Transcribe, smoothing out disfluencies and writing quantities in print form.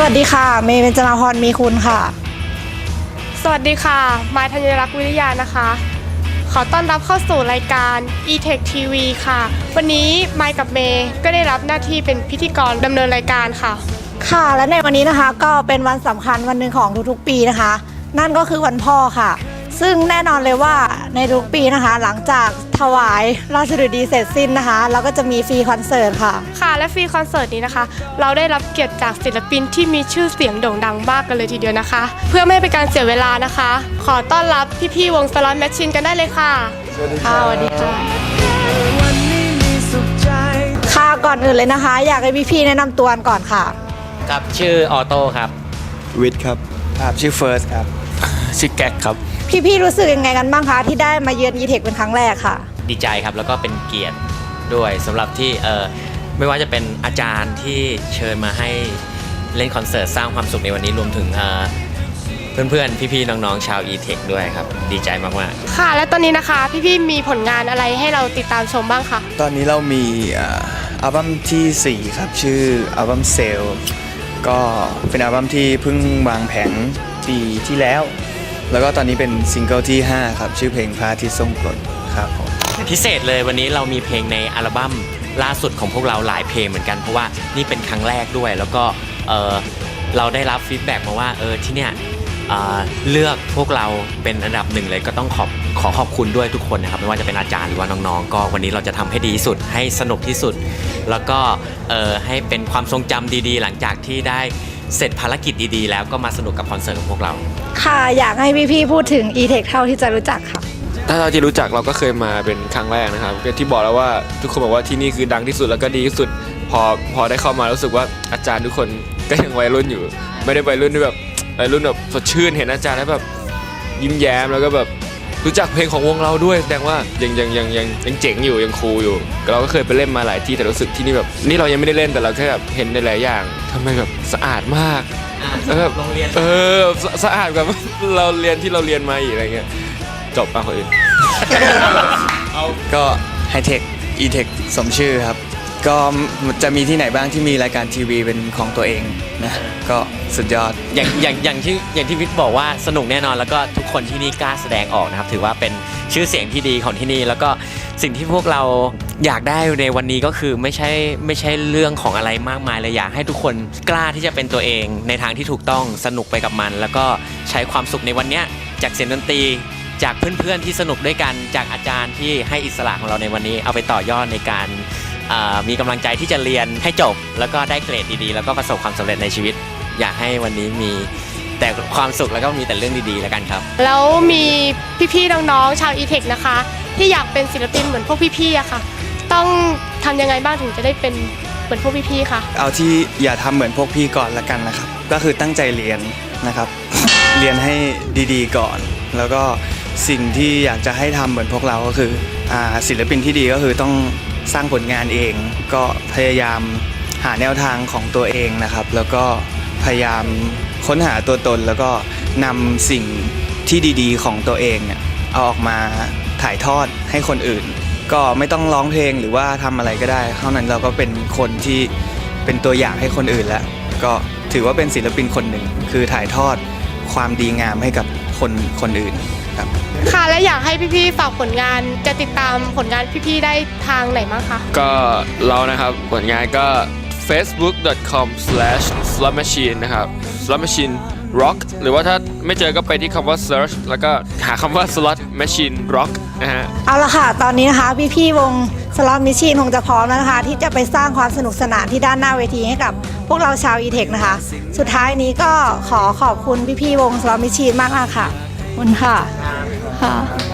วัสดีค่ะเมย์เบญจมาพรมีคุณค่ะสวัสดีค่ะมายธัญรักษ์วิริยานะคะขอต้อนรับเข้าสู่รายการ e-tech TV ค่ะวันนี้มายกับเมย์ก็ได้รับหน้าที่เป็นพิธีกรดำเนินรายการค่ะค่ะและในวันนี้นะคะก็เป็นวันสำคัญวันหนึ่งของทุกๆปีนะคะนั่นก็คือวันพ่อค่ะซึ่งแน่นอนเลยว่าในทุกปีนะคะหลังจากถวายราชฤดีเสร็จสิ้นนะคะเราก็จะมีฟรีคอนเสิร์ตค่ะค่ะและฟรีคอนเสิร์ตนี้นะคะเราได้รับเกียรติจากศิลปินที่มีชื่อเสียงโด่งดังมากกันเลยทีเดียวนะคะเพื่อไม่ให้เป็นการเสียเวลานะคะขอต้อนรับพี่ๆวงสล็อตแมชชีนกันได้เลยค่ะสวัสดีค่ะค่ะก่อนอื่นเลยนะคะอยากให้พี่ๆแนะนำตัวก่อนค่ะครับชื่อออโต้ครับวิทย์ครับชื่อเฟิร์สครับชื่อแก๊กครับพี่ๆรู้สึกยังไงกันบ้างคะที่ได้มาเยือน e-tech เป็นครั้งแรกค่ะดีใจครับแล้วก็เป็นเกียรติด้วยสำหรับที่ไม่ว่าจะเป็นอาจารย์ที่เชิญมาให้เล่นคอนเสิร์ตสร้างความสุขในวันนี้รวมถึงเพื่อนๆพี่ๆน้องๆชาว e-tech ด้วยครับดีใจมากๆค่ะและตอนนี้นะคะพี่ๆมีผลงานอะไรให้เราติดตามชมบ้างคะตอนนี้เรามีอัลบั้มที่4ครับชื่ออัลบั้มเซลก็เป็นอัลบั้มที่เพิ่งวางแผงปีที่แล้วแล้วก็ตอนนี้เป็นซิงเกิลที่5ครับชื่อเพลงพระอาทิตย์ทรงกรดครับผมพิเศษเลยวันนี้เรามีเพลงในอัลบั้มล่าสุดของพวกเราหลายเพลงเหมือนกันเพราะว่านี่เป็นครั้งแรกด้วยแล้วก็เราได้รับฟีดแบ็กมาว่าที่เนี่ยเลือกพวกเราเป็นอันดับหนึ่งเลยก็ต้องขอบคุณด้วยทุกคนนะครับไม่ว่าจะเป็นอาจารย์หรือว่าน้องๆก็วันนี้เราจะทำให้ดีที่สุดให้สนุกที่สุดแล้วก็ให้เป็นความทรงจำดีๆหลังจากที่ได้เสร็จภารกิจดีๆแล้วก็มาสนุกกับคอนเสิร์ตของพวกเราค่ะอยากให้พี่ๆพูดถึง e-tech เท่าที่จะรู้จักค่ะถ้าเราที่รู้จักเราก็เคยมาเป็นครั้งแรกนะครับที่บอกแล้วว่าทุกคนบอกว่าที่นี่คือดังที่สุดแล้วก็ดีที่สุดพอได้เข้ามารู้สึกว่าอาจารย์ทุกคนก็ยังวัยรุ่นอยู่ไม่ได้วัยรุ่นที่แบบวัยรุ่นแบบสดชื่นเห็นอาจารย์แล้วแบบยิ้มแย้มแล้วก็แบบรู้จักเพลงของวงเราด้วยแสดงว่ายังเจ๋งอยู่ยังคูลอยู่เราก็เคยไปเล่นมาหลายที่แต่รู้สึกที่นี่แบบนี่เรายังไม่ได้เล่นแต่เราแค่แบบเห็นในหลายอย่างทำไมแบบสะอาดมากโรงเรียนสะอาดกว่าเราเรียนที่เราเรียนมาอีกอะไรเงี้ยจบป่ะคนอื่นก็ไฮเทค e-tech สมชื่อครับก็จะมีที่ไหนบ้างที่มีรายการทีวีเป็นของตัวเองนะก็สุดยอดอย่างที่วิทย์บอกว่าสนุกแน่นอนแล้วก็ทุกคนที่นี่กล้าแสดงออกนะครับถือว่าเป็นชื่อเสียงที่ดีของที่นี่แล้วก็สิ่งที่พวกเราอยากได้ในวันนี้ก็คือไม่ใช่เรื่องของอะไรมากมายเลยอยากให้ทุกคนกล้าที่จะเป็นตัวเองในทางที่ถูกต้องสนุกไปกับมันแล้วก็ใช้ความสุขในวันนี้จากเสียงดนตรีจากเพื่อนๆที่สนุกด้วยกันจากอาจารย์ที่ให้อิสระของเราในวันนี้เอาไปต่อยอดในการมีกำลังใจที่จะเรียนให้จบแล้วก็ได้เกรดดีๆแล้วก็ประสบความสำเร็จในชีวิตอยากให้วันนี้มีแต่ความสุขแล้วก็มีแต่เรื่องดีๆแล้วกันครับแล้วมีพี่ๆน้องๆชาว e-tech นะคะที่อยากเป็นศิลปินเหมือนพวกพี่ๆอะค่ะต้องทำยังไงบ้างถึงจะได้เป็นเหมือนพวกพี่ๆคะเอาที่อย่าทำเหมือนพวกพี่ก่อนละกันนะครับก็คือตั้งใจเรียนนะครับ เรียนให้ดีๆก่อนแล้วก็สิ่งที่อยากจะให้ทำเหมือนพวกเราก็คือศิลปินที่ดีก็คือต้องสร้างผลงานเองก็พยายามหาแนวทางของตัวเองนะครับแล้วก็พยายามค้นหาตัวตนแล้วก็นำสิ่งที่ดีๆของตัวเองเอาออกมาถ่ายทอดให้คนอื่นก็ไม่ต้องร้องเพลงหรือว่าทำอะไรก็ได้เท่านั้นเราก็เป็นคนที่เป็นตัวอย่างให้คนอื่นแล้วก็ถือว่าเป็นศิลปินคนหนึ่งคือถ่ายทอดความดีงามให้กับคนอื่นครับค่ะและอยากให้พี่ๆฝากผลงานจะติดตามผลงานพี่ๆได้ทางไหนบ้างคะก็เรานะครับผลงานก็ facebook.com/slotmachine นะครับ slotmachine rock หรือว่าถ้าไม่เจอก็ไปที่คำว่า search แล้วก็หาคำว่า slot machine rock นะฮะเอาละค่ะตอนนี้นะคะพี่ๆวง slot machine คงจะพร้อมแล้วนะคะที่จะไปสร้างความสนุกสนานที่ด้านหน้าเวทีให้กับพวกเราชาว e-tech นะคะสุดท้ายนี้ก็ขอบคุณพี่ๆวง slot machine มากๆค่ะขอบคุณค่ะ